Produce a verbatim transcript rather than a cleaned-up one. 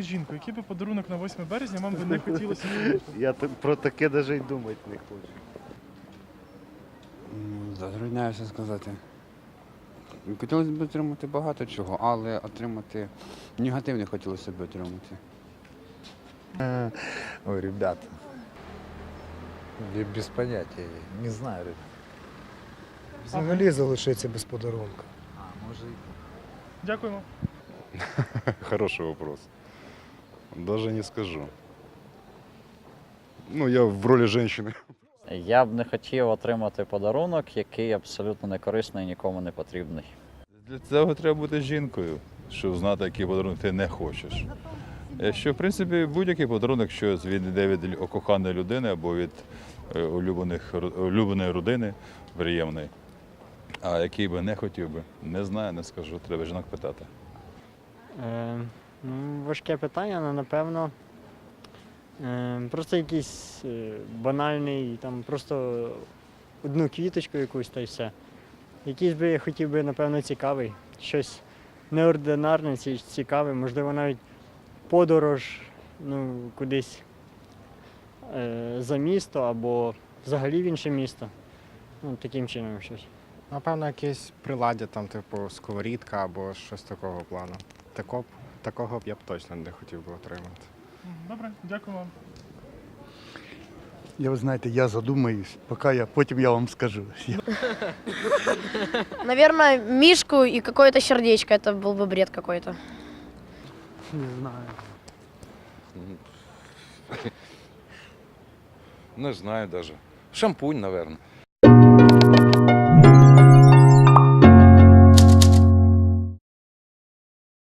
жінку, який би подарунок на восьме березня вам би не хотілося отримати? Я т- про таке навіть й думати не хочу. М, Затрудняюся сказати. Хотілося б отримати багато чого, але отримати негативне хотілося б отримати. Ой, ребята, я без понятия, не знаю, ребят. Взагалі залишиться без подарунка. А, может, Дякуємо. Хороший вопрос. Даже не скажу. Ну, я в роли женщины. Я б не хотів отримати подарунок, який абсолютно не корисний і нікому не потрібний. Для цього треба бути жінкою, щоб знати, який подарунок ти не хочеш. Якщо, в принципі, будь-який подарунок, що він йде від лю- коханої людини або від е, улюблених, ру- улюбленої родини, приємної. А який би не хотів би, не знаю, не скажу, треба жінок питати. Е, ну, важке питання, але напевно. Е, просто якийсь е, банальний, там просто одну квіточку якусь та й все. Якийсь би я хотів би, напевно, цікавий. Щось неординарне, ці- цікаве, можливо, навіть подорож ну, кудись е, за місто або взагалі в інше місто. Ну, таким чином щось. Напевно, якесь приладдя, там, типу, сковорідка або щось такого плану. Тако, б- такого б я б точно не хотів би отримати. Добре, дякую вам. Я, ви знаєте, я задумаюсь, поки я, потім я вам скажу. Я- Наверное, мишку и какое-то сердечко. Это был бы бред какой-то. Не знаю. Не знаю даже. Шампунь, наверное.